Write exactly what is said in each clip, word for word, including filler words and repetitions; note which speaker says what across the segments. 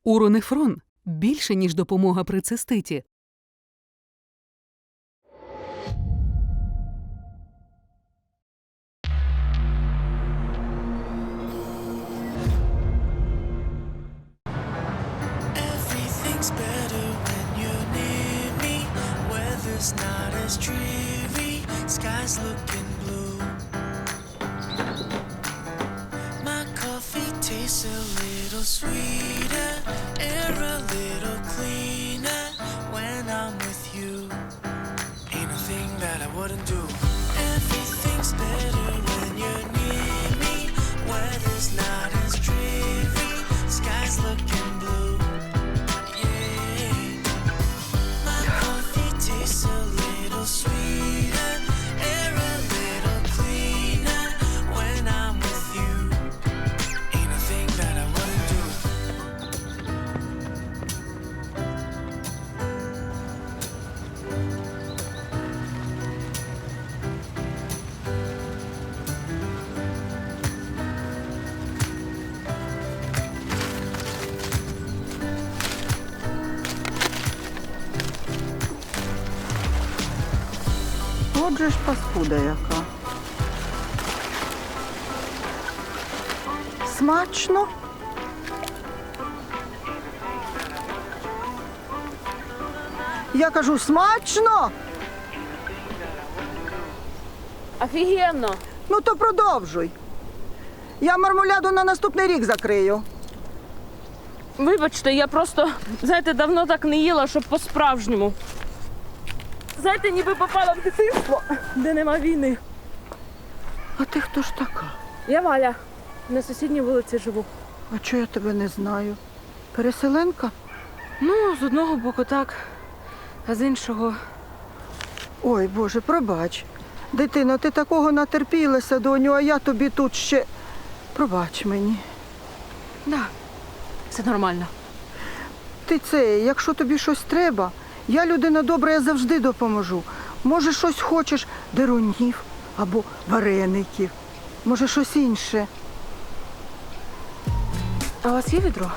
Speaker 1: Уронефрон – більше, ніж допомога при циститі.
Speaker 2: Everything's better when you're near me. Weather's not as dreary. Sky's looking blue. My coffee tastes a little sweeter. Air a little cleaner when I'm with you. Ain't a thing that I wouldn't do. Everything's better when you're near me. Weather's not as dreary. Sky's looking blue. A little sweeter, air a little cleaner when I'm with you. Ain't a thing that I wouldn't do.
Speaker 3: Отже ж паскуда яка. Смачно? Я кажу, смачно?
Speaker 4: Офігенно!
Speaker 3: Ну то продовжуй. Я мармуляду на наступний рік закрию.
Speaker 4: Вибачте, я просто, знаєте, давно так не їла, щоб по-справжньому. Знаєте, ніби попала в дитинство, де нема війни.
Speaker 3: А ти хто ж така?
Speaker 4: Я Валя, на сусідній вулиці живу.
Speaker 3: А чого я тебе не знаю? Переселенка?
Speaker 4: Ну, з одного боку так, а з іншого...
Speaker 3: Ой, Боже, пробач. Дитино, ти такого натерпілася, доню, а я тобі тут ще... Пробач мені.
Speaker 4: Да, все нормально.
Speaker 3: Ти це, якщо тобі щось треба, я людина добра, я завжди допоможу. Може, щось хочеш дерунів або вареників. Може, щось інше.
Speaker 4: А у вас є відро?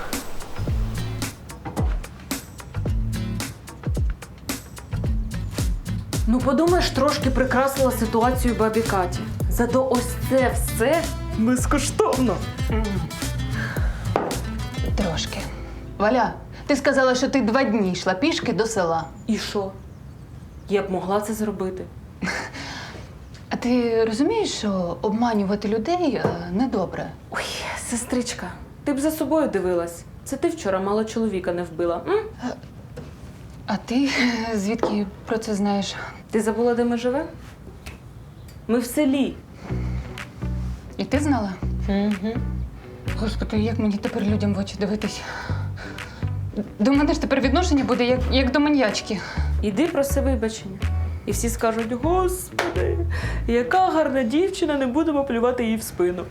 Speaker 4: Ну, подумаєш, трошки прикрасила ситуацію бабі Каті. Зато ось це все безкоштовно.
Speaker 5: Трошки. Валя, ти сказала, що ти два дні йшла пішки до села.
Speaker 4: І що? Я б могла це зробити.
Speaker 5: А ти розумієш, що обманювати людей е, недобре?
Speaker 4: Ой, сестричка, ти б за собою дивилась. Це ти вчора мало чоловіка не вбила. М?
Speaker 5: А ти е, звідки про це знаєш?
Speaker 4: Ти забула, де ми живемо? Ми в селі.
Speaker 5: І ти знала?
Speaker 4: Угу.
Speaker 5: Господи, як мені тепер людям в очі дивитись? До мене ж тепер відношення буде як, як до маньячки.
Speaker 4: Іди проси вибачення. І всі скажуть: Господи, яка гарна дівчина, не будемо плювати їй в спину.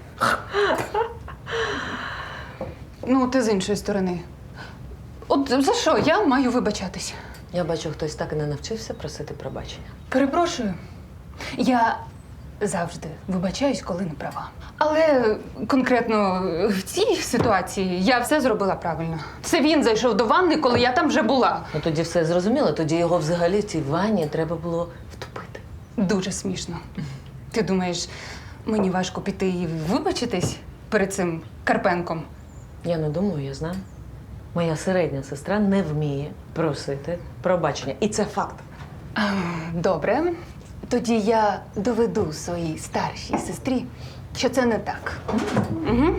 Speaker 5: Ну, ти з іншої сторони. От за що я маю вибачатись?
Speaker 6: Я бачу, хтось так і не навчився просити пробачення.
Speaker 5: Перепрошую. Я завжди вибачаюсь, коли не права. Але конкретно в цій ситуації я все зробила правильно. Це він зайшов до ванни, коли я там вже була.
Speaker 6: Ну тоді все зрозуміло, тоді його взагалі в цій ванні треба було втопити.
Speaker 5: Дуже смішно. Ти думаєш, мені важко піти і вибачитись перед цим Карпенком?
Speaker 6: Я не думаю, я знаю. Моя середня сестра не вміє просити пробачення. І це факт.
Speaker 5: А, добре. Тоді я доведу своїй старшій сестрі, що це не так. Угу.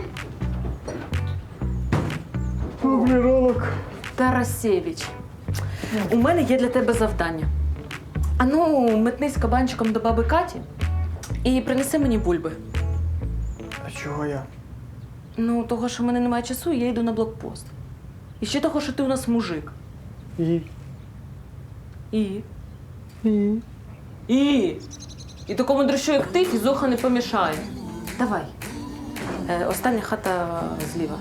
Speaker 4: Тарасєвич, у мене є для тебе завдання. Ану, метнись кабанчиком до баби Каті і принеси мені бульби.
Speaker 7: А чого я?
Speaker 4: Ну, того, що в мене немає часу, я йду на блокпост. І ще того, що ти у нас мужик.
Speaker 7: І?
Speaker 4: І?
Speaker 7: І?
Speaker 4: І? І такому дрищу, як ти, фізуха не помішає. Давай. Е, остання хата зліва.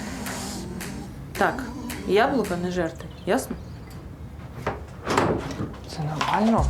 Speaker 4: Так, яблука не жерти, ясно?
Speaker 7: Це нормально?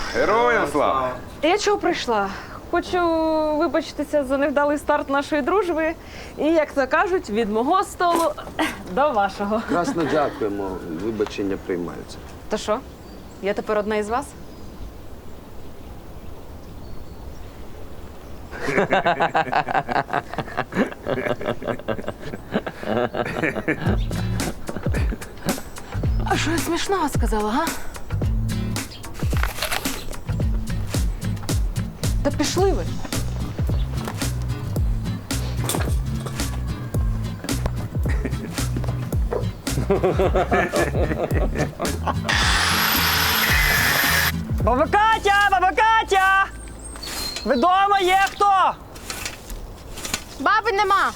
Speaker 8: Героям слава!
Speaker 9: Я чого прийшла? Хочу вибачитися за невдалий старт нашої дружби. І, як то кажуть, від мого столу до вашого.
Speaker 10: Красно дякуємо, вибачення приймаються.
Speaker 9: То що? Я тепер одна із вас?
Speaker 4: А що я смішного сказала, га? Та пішли ви.
Speaker 7: Баба Катя! Баба Катя! Ви дома є хто?
Speaker 11: Баби нема.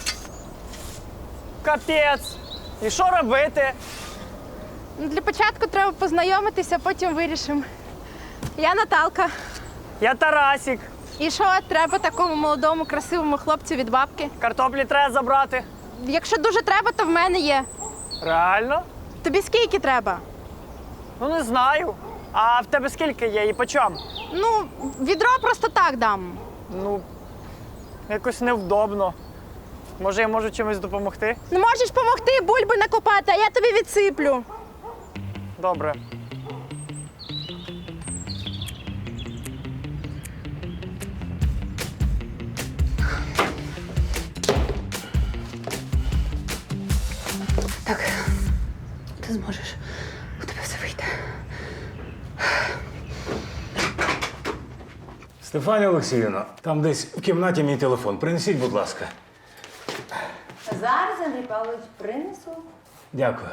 Speaker 7: Капець. І що робити?
Speaker 11: Ну, для початку треба познайомитися, потім вирішимо. Я Наталка.
Speaker 7: Я Тарасік.
Speaker 11: І що треба такому молодому, красивому хлопцю від бабки?
Speaker 7: Картоплі треба забрати.
Speaker 11: Якщо дуже треба, то в мене є.
Speaker 7: Реально?
Speaker 11: Тобі скільки треба?
Speaker 7: Ну не знаю. А в тебе скільки є і по чому?
Speaker 11: Ну, відро просто так дам.
Speaker 7: Ну, якось невдобно. Може, я можу чимось допомогти?
Speaker 11: Не можеш допомогти бульби накопати, а я тобі відсиплю.
Speaker 7: Добре.
Speaker 5: Так, ти зможеш. У тебе все вийде.
Speaker 12: Стефанія Олексіївна, там десь в кімнаті мій телефон. Принесіть, будь ласка.
Speaker 13: Зараз, Андрій Павлович, принесу.
Speaker 12: Дякую.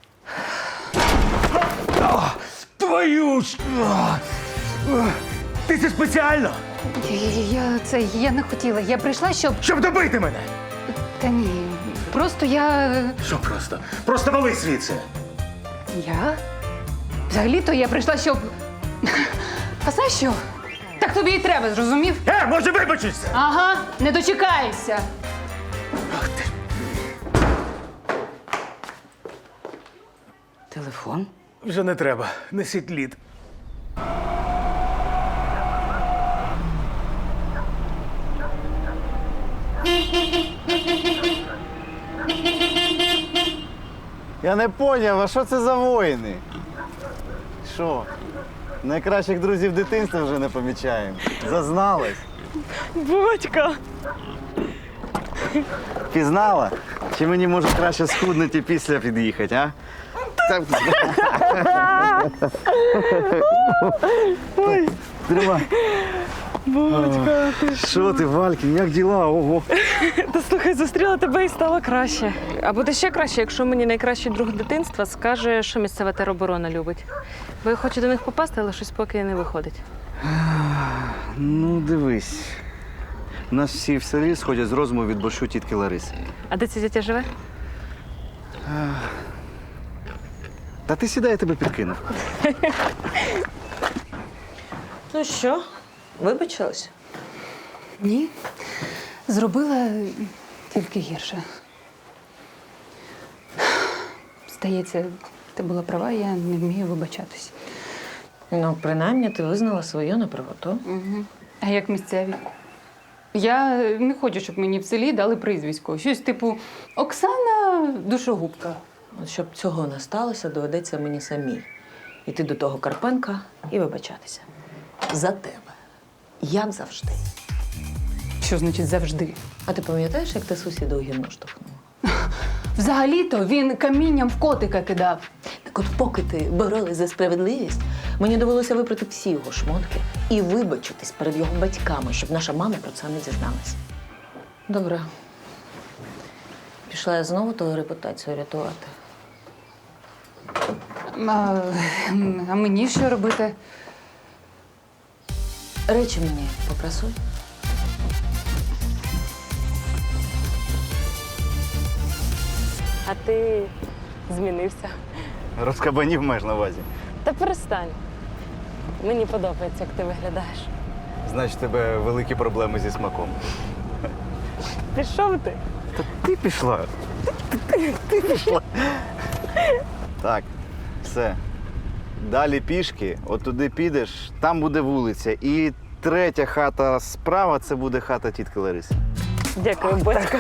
Speaker 12: О, твою ж! О, о, ти це спеціально?
Speaker 5: Я, я, це, я не хотіла. Я прийшла, щоб.
Speaker 12: Щоб добити мене!
Speaker 5: Та ні. Просто я.
Speaker 12: Що просто? Просто вали звідси!
Speaker 5: Я? Взагалі-то я прийшла, щоб. А знаєш що? Так тобі і треба, зрозумів?
Speaker 12: Е, може вибачишся?
Speaker 5: Ага, не дочекаєшся.
Speaker 12: Ах ти.
Speaker 4: Телефон?
Speaker 12: Вже не треба. Несіть лід.
Speaker 14: Я не поняв, а що це за воїни? Що? Найкращих друзів дитинства вже не помічаємо. Зазналась.
Speaker 9: Батька!
Speaker 14: Пізнала? Чи мені може краще схуднути і після під'їхати, а? Так. Ой. Тримай.
Speaker 9: Батька, ти
Speaker 14: Що ти, Валькін, як діла? Ого.
Speaker 9: Та слухай, зустріла тебе і стало краще. А буде ще краще, якщо мені найкращий друг дитинства скаже, що місцева тероборона любить. Бо я хочу до них попасти, але щось поки не виходить.
Speaker 14: Ну, дивись. У нас всі в селі сходять з розуму від борщу тітки Лариси.
Speaker 9: А де ця дитя живе?
Speaker 14: Та ти сідай, я тебе підкинув.
Speaker 6: Ну що, вибачилась?
Speaker 5: Ні. Зробила тільки гірше. Здається, ти була права, я не вмію вибачатись.
Speaker 6: Ну, принаймні, ти визнала свою неправоту.
Speaker 5: Угу. А як місцеві? Я не хочу, щоб мені в селі дали прізвисько. Щось типу Оксана Душогубка.
Speaker 6: От щоб цього не сталося, доведеться мені самій іти до того Карпенка і вибачатися. За тебе. Як завжди.
Speaker 5: Що значить завжди?
Speaker 6: А ти пам'ятаєш, як ти сусіда у гімну штовхнула?
Speaker 5: Взагалі-то він камінням в котика кидав.
Speaker 6: Так от поки ти боролась за справедливість, мені довелося випрати всі його шмотки і вибачитись перед його батьками, щоб наша мама про це не дізналась. Добре. Пішла я знову твою репутацію рятувати.
Speaker 5: А, а мені що робити?
Speaker 6: Речі мені попрасуй.
Speaker 9: А ти змінився.
Speaker 14: Розкабанів маєш на увазі.
Speaker 9: Та перестань. Мені подобається, як ти виглядаєш.
Speaker 14: Значить, у тебе великі проблеми зі смаком.
Speaker 9: Пішов ти?
Speaker 14: Та ти пішла. Ти, ти, ти пішла. Так, все. Далі пішки, от туди підеш, там буде вулиця. І третя хата справа це буде хата тітки Лариси.
Speaker 9: Дякую, батько.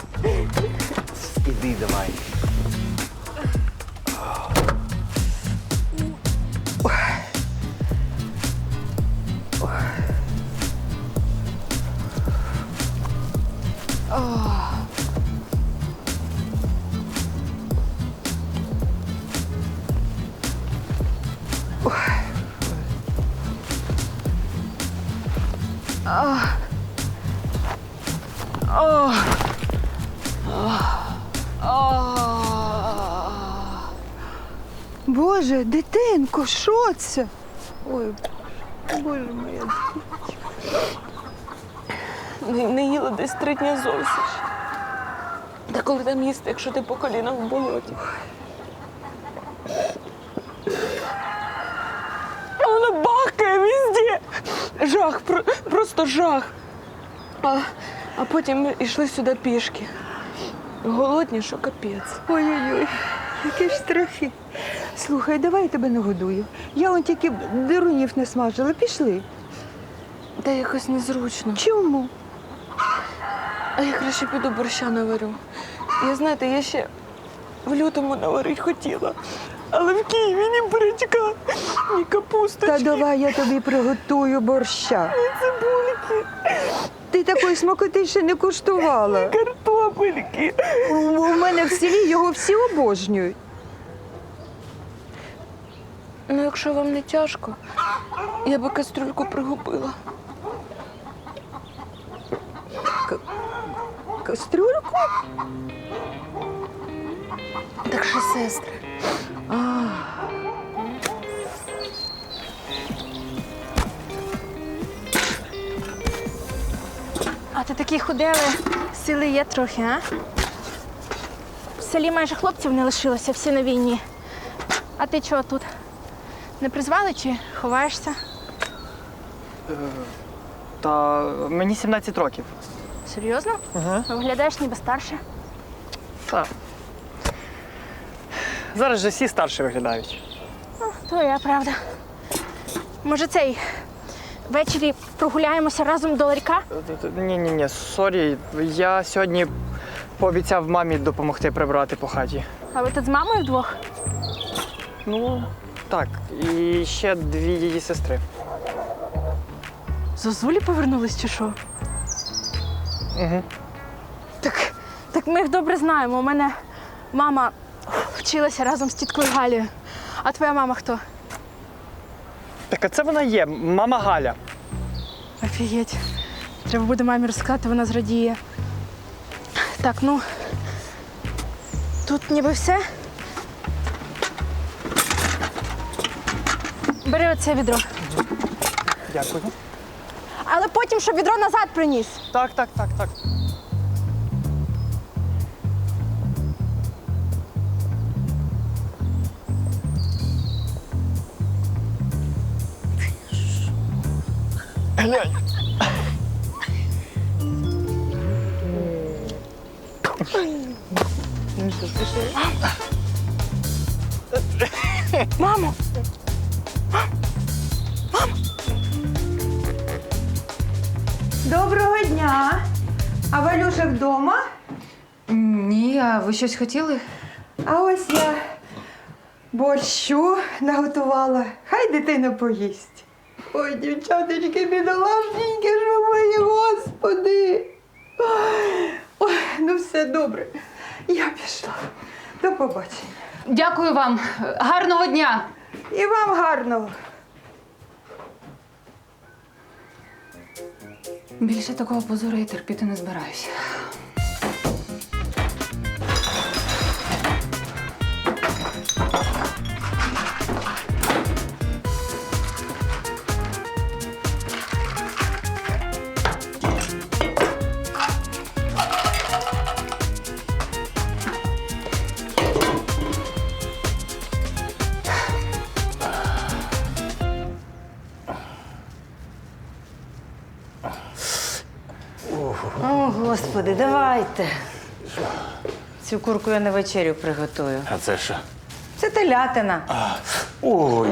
Speaker 14: Іди давай.
Speaker 3: Боже, дитинко, що це? Ой, боже моя.
Speaker 9: Не, не їла десь три дні зовсім. Та коли там їсти, якщо ти по колінах в болоті? А вона бахкає везде. Жах, про, просто жах. А, а потім ми йшли сюди пішки. Голодні, що капець.
Speaker 3: Ой-ой-ой, які ж страхи. Слухай, давай я тебе нагодую. Я он тільки дирунів не смажила. Пішли.
Speaker 9: Та якось незручно.
Speaker 3: Чому?
Speaker 9: А я краще піду борща наварю. Я, знаєте, я ще в лютому наварити хотіла. Але в Києві ні бурячка, ні капусточки.
Speaker 3: Та давай я тобі приготую борща.
Speaker 9: Ні цибульки,
Speaker 3: Ти такої смакоти ще не куштувала.
Speaker 9: ні картопельки.
Speaker 3: У у мене в селі його всі обожнюють.
Speaker 9: Ну, якщо вам не тяжко, я би кастрюльку пригубила.
Speaker 3: Кастрюльку?
Speaker 9: Так що, сестри.
Speaker 11: А ти такі худели, сили є трохи, а? В селі майже хлопців не лишилося, всі на війні. А ти чого тут? Не призвали чи ховаєшся?
Speaker 7: Та мені сімнадцять років.
Speaker 11: Серйозно?
Speaker 7: Ага.
Speaker 11: Виглядаєш ніби старше.
Speaker 7: Так. Зараз же всі старші виглядають.
Speaker 11: Твоя правда. Може, цей ввечері прогуляємося разом до ларька?
Speaker 7: Ні-ні-ні, сорі. Я сьогодні пообіцяв мамі допомогти прибрати по хаті.
Speaker 11: А ви тут з мамою вдвох?
Speaker 7: Ну, так. І ще дві її сестри.
Speaker 11: Зозулі повернулись чи що?
Speaker 7: Угу.
Speaker 11: Так, так ми їх добре знаємо. У мене мама вчилася разом з тіткою Галією. А твоя мама хто?
Speaker 7: Так, а це вона є, мама Галя.
Speaker 11: Офігеть. Треба буде мамі розказати, вона зрадіє. Так, ну. Тут ніби все. Бери оце відро.
Speaker 7: Дякую.
Speaker 11: Але потім, щоб відро назад приніс.
Speaker 7: Так, так, так, так. Глянь.
Speaker 11: Мамо!
Speaker 3: Доброго дня. А Валюша вдома?
Speaker 5: Ні, а ви щось хотіли?
Speaker 3: А ось я борщу наготувала. Хай дитина поїсть. Ой, дівчаточки, бідолашненькі, що мої, господи. Ой, ну все добре. Я пішла. До побачення.
Speaker 5: Дякую вам. Гарного дня!
Speaker 3: І вам гарного.
Speaker 5: Більше такого позору я терпіти не збираюся.
Speaker 8: О, Господи, давайте. Цю курку я на вечерю приготую.
Speaker 12: А це що?
Speaker 8: Це телятина.
Speaker 12: Ой.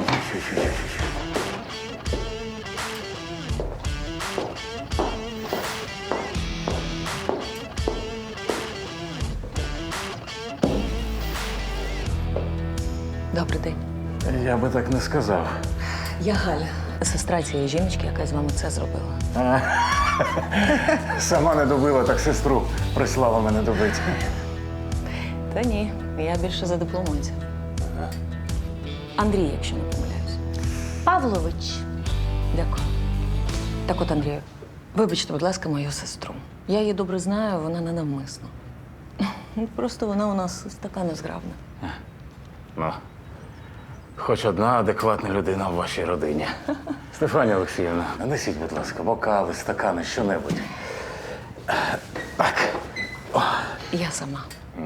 Speaker 6: Добрий день.
Speaker 12: Я би так не сказав.
Speaker 6: Я Галя, сестра цієї жіночки, яка з вами це зробила.
Speaker 12: А, сама не добила, так сестру прислала мене добити.
Speaker 6: Та ні, я більше за дипломанця. Андрій, якщо не помиляюсь.
Speaker 11: Павлович.
Speaker 6: Дякую. Так от, Андрію, вибачте, будь ласка, мою сестру. Я її добре знаю, вона не навмисно. Просто вона у нас така незграбна.
Speaker 12: Ну, хоч одна адекватна людина в вашій родині. Стефанія Олексіївна, нанесіть, будь ласка, бокали, стакани, що-небудь. Так. О.
Speaker 6: Я сама.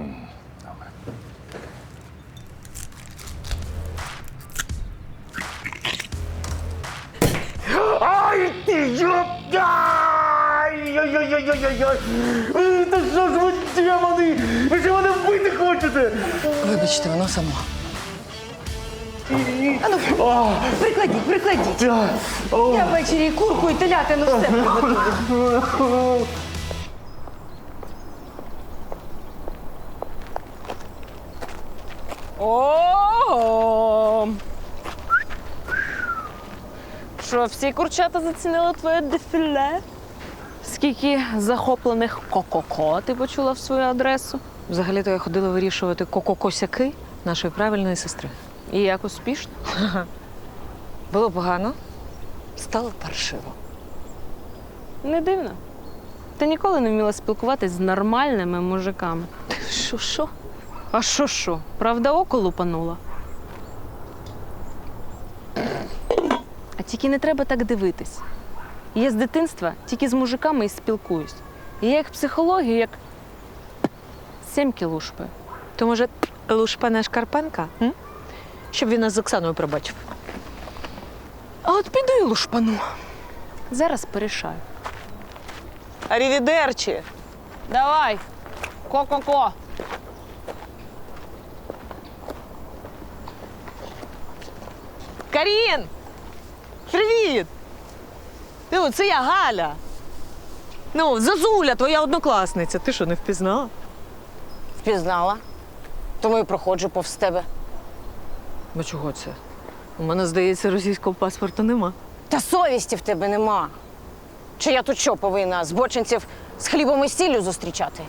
Speaker 12: Ай, ти йоп! Ай-яй-яй-яй-яй-яй! Та що ж ви, демони? Ви що мене вбити хочете?
Speaker 6: Вибачте, воно само.
Speaker 8: Прикладіть, прикладіть. Я ввечері і курку, і телятину все приготую.
Speaker 9: О! Що, всі курчата зацінили твоє дефіле? Скільки захоплених ко-ко-ко ти почула в свою адресу?
Speaker 6: Взагалі-то я ходила вирішувати ко-ко-косяки нашої правильної сестри.
Speaker 9: І як успішно?
Speaker 6: Було погано, стало паршиво.
Speaker 9: Не дивно. Ти ніколи не вміла спілкуватись з нормальними мужиками.
Speaker 6: Що, що?
Speaker 9: А що що? Правда, око лупанула? А тільки не треба так дивитись. Я з дитинства тільки з мужиками і спілкуюсь. І я їх психологію як сімки лушпаю.
Speaker 6: То, може, Лушпана Шкарпенка? М? Щоб він нас з Оксаною пробачив.
Speaker 9: А от піду і лушпану. Зараз порішаю.
Speaker 6: Арівідерчі!
Speaker 9: Давай! Ко-ко-ко!
Speaker 6: Карін! Привіт! Ну, це я Галя. Ну, Зазуля, твоя однокласниця. Ти що, не впізнала?
Speaker 8: Впізнала. Тому і проходжу повз тебе.
Speaker 6: Ну чого це? У мене, здається, російського паспорта нема.
Speaker 8: Та совісті в тебе нема. Чи я тут що повинна збочинців з хлібом і сіллю зустрічати?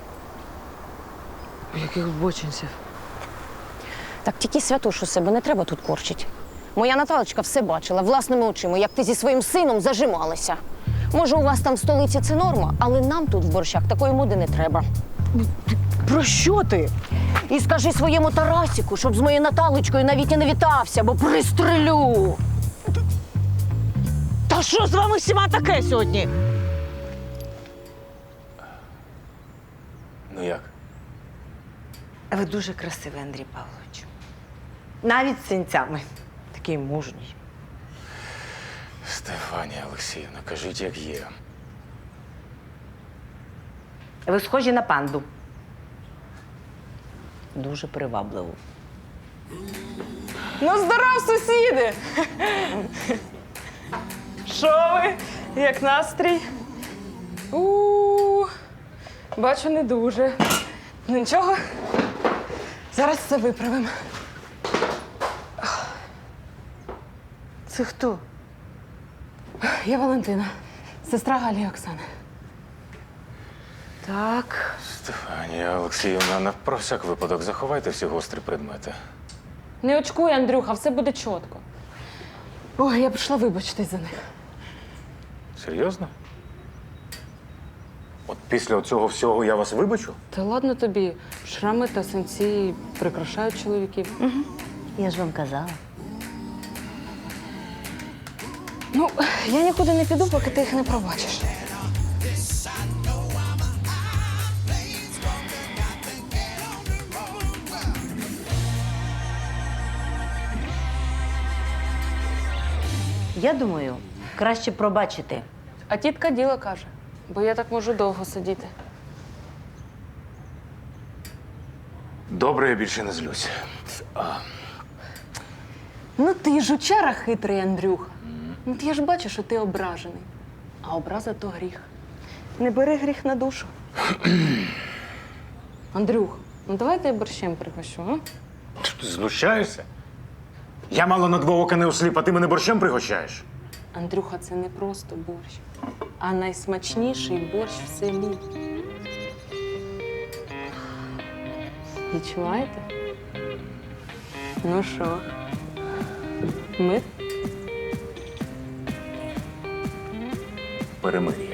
Speaker 6: Яких бочинців?
Speaker 8: Так тільки святошу себе не треба тут корчить. Моя Наталочка все бачила власними очима, як ти зі своїм сином зажималася. Може, у вас там в столиці це норма, але нам тут в борщах такої моди не треба.
Speaker 6: Про що ти?
Speaker 8: І скажи своєму Тарасіку, щоб з моєю Наталочкою навіть і не вітався, бо пристрелю.
Speaker 6: Та що з вами всіма таке сьогодні?
Speaker 12: Ну як?
Speaker 8: Ви дуже красивий, Андрій Павлович. Навіть з синцями. Такий мужній.
Speaker 12: Стефанія Олексіївна, кажіть, як є.
Speaker 8: Ви схожі на панду.
Speaker 6: Дуже привабливо.
Speaker 9: Ну, здоров, сусіди! Що ви? Як настрій? У, бачу, не дуже. Ну нічого, зараз все виправимо.
Speaker 8: Це хто?
Speaker 9: Я Валентина, сестра Галі і Оксани.
Speaker 8: Так.
Speaker 12: Стефанія Олексіївна, на про всяк випадок заховайте всі гострі предмети.
Speaker 9: Не очкуй, Андрюха, все буде чітко. Ой, я прийшла вибачитись за них.
Speaker 12: Серйозно? От після цього всього я вас вибачу?
Speaker 9: Та ладно тобі, шрами та синці прикрашають чоловіків.
Speaker 8: Угу. Я ж вам казала.
Speaker 9: Ну, я нікуди не піду, поки ти їх не пробачиш.
Speaker 8: Я думаю, краще пробачити.
Speaker 9: А тітка діло каже, бо я так можу довго сидіти.
Speaker 12: Добре, я більше не злюсь. А,
Speaker 9: Ну ти жучара хитрий, Андрюха. Ну от я ж бачу, що ти ображений. А образа то гріх. Не бери гріх на душу. Андрюх, ну давай я борщем пригощу, а?
Speaker 12: Ти знущаєшся? Я мало на два ока не осліп, а ти мене борщем пригощаєш?
Speaker 9: Андрюха, це не просто борщ, а найсмачніший борщ в селі. Відчуваєте? Ну що? Ми?
Speaker 12: Перемир'я.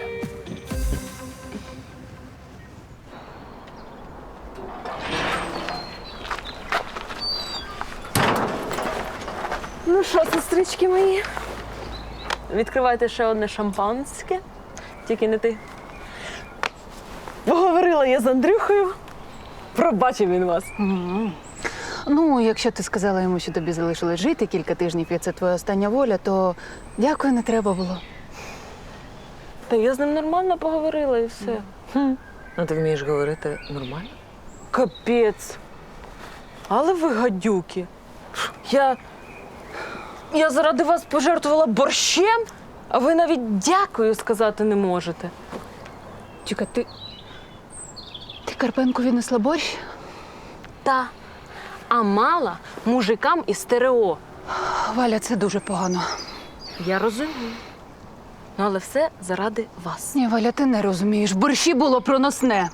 Speaker 9: Ну що, сестрички мої? Відкривайте ще одне шампанське. Тільки не ти. Поговорила я з Андрюхою. Пробачив він вас.
Speaker 13: Ну, якщо ти сказала йому, що тобі залишилось жити кілька тижнів, і це твоя остання воля, то дякую, не треба було.
Speaker 9: Та я з ним нормально поговорила і все.
Speaker 6: Хм. А ти вмієш говорити нормально?
Speaker 9: Капець. Але ви гадюки. Я. Я заради вас пожертвувала борщем, а ви навіть дякую сказати не можете.
Speaker 13: Чекай, ти. Ти Карпенку віднесла борщ?
Speaker 9: Та. А мала мужикам із стерео.
Speaker 13: Валя, це дуже погано.
Speaker 9: Я розумію. Ну, але все заради вас.
Speaker 13: Ні, Валя, ти не розумієш. В борщі було проносне.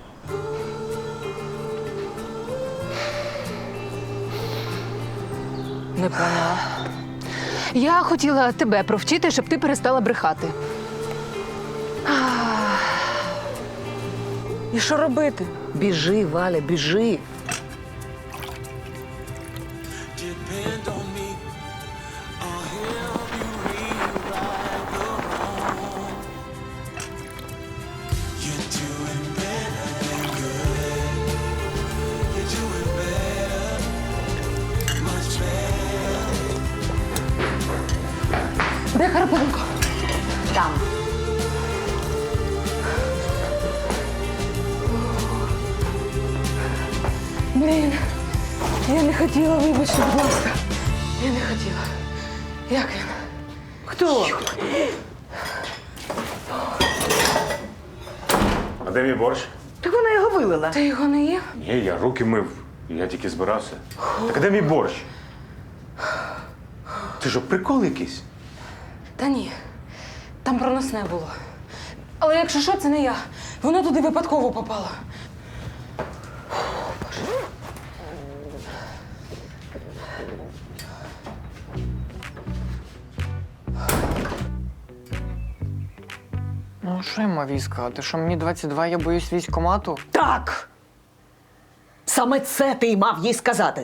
Speaker 9: Не поняла.
Speaker 13: Я хотіла тебе провчити, щоб ти перестала брехати.
Speaker 9: І що робити?
Speaker 6: Біжи, Валя, біжи.
Speaker 2: Depend on me. I'll help you rewrite the wrong. You're doing better than good. You're doing better, much better.
Speaker 13: Де Карпенко?
Speaker 6: Там.
Speaker 9: Блін, я не хотіла, вибачте, будь ласка. Я не хотіла. Як він? Хто?
Speaker 12: А де мій борщ?
Speaker 9: Так вона його вилила. Ти його не їв?
Speaker 12: Ні, я руки мив. Я тільки збирався. Так а де мій борщ? Ти що, прикол якийсь?
Speaker 9: Та ні. Там проносне було. Але якщо що, це не я. Воно туди випадково попало.
Speaker 7: Ну, що я мав їй сказати? Що мені двадцять два, я боюсь військкомату?
Speaker 6: Так! Саме це ти й мав їй сказати.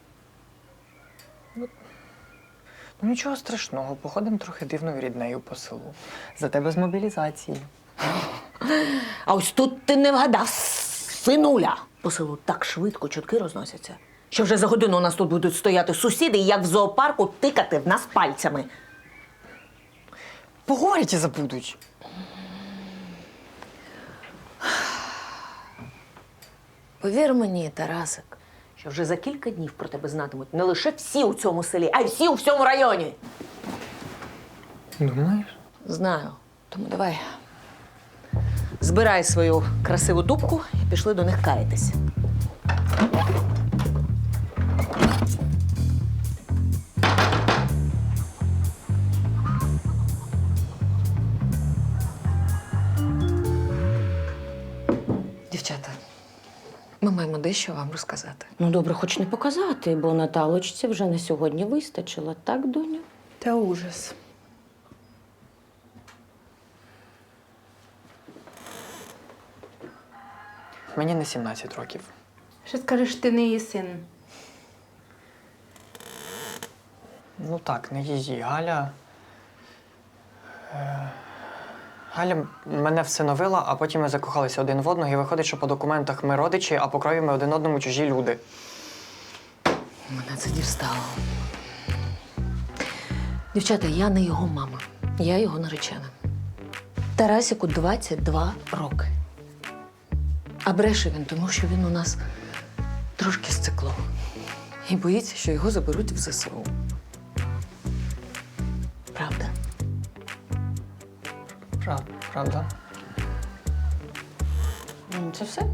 Speaker 7: Ну, нічого страшного, походимо трохи дивною ріднею по селу. Зате без мобілізації.
Speaker 6: А ось тут ти не вгадав, синуля. По селу так швидко чутки розносяться, що вже за годину у нас тут будуть стояти сусіди і як в зоопарку тикати в нас пальцями.
Speaker 7: Поговорять і забудуть.
Speaker 6: Повір мені, Тарасик, що вже за кілька днів про тебе знатимуть не лише всі у цьому селі, а й всі у всьому районі.
Speaker 7: Думаєш?
Speaker 6: Знаю. Тому давай. Збирай свою красиву дубку і пішли до них каятись.
Speaker 4: Дівчата, ми маємо дещо вам розказати.
Speaker 8: Ну, добре, хоч не показати, бо Наталочці вже на сьогодні вистачило, так, доню?
Speaker 4: Та ужас.
Speaker 7: Мені не сімнадцять років.
Speaker 11: Що скажеш, ти не її син?
Speaker 7: Ну так, не її. Галя. Е... Галя мене всиновила, а потім ми закохалися один в одного, і виходить, що по документах ми родичі, а по крові ми один одному чужі люди.
Speaker 6: Мене це дістало. Дівчата, я не його мама. Я його наречена. Тарасику двадцять два роки. А бреше він, тому що він у нас трошки сцикло. І боїться, що його заберуть в зе се у.
Speaker 7: Прав, правда.
Speaker 4: Це все?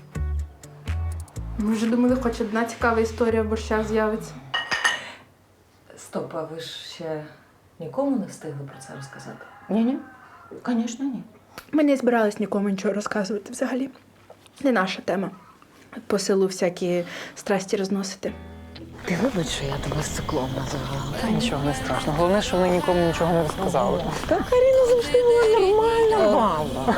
Speaker 11: Ми вже думали, хоч одна цікава історія в борщах з'явиться.
Speaker 4: Стоп, а ви ж ще нікому не встигли про це розказати?
Speaker 8: Ні-ні, звісно, ні.
Speaker 11: Ми не збирались нікому нічого розказувати взагалі. Не наша тема. По селу всякі страсті розносити.
Speaker 8: Ти вибач, що я тебе циклом називала.
Speaker 7: Та нічого не страшно. Головне, що вони нікому нічого не розказали.
Speaker 8: Та Каріна завжди була нормальна баба.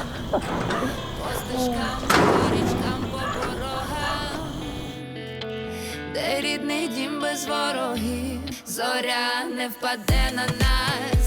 Speaker 2: Де рідний дім без ворогів, зоря не впаде на нас.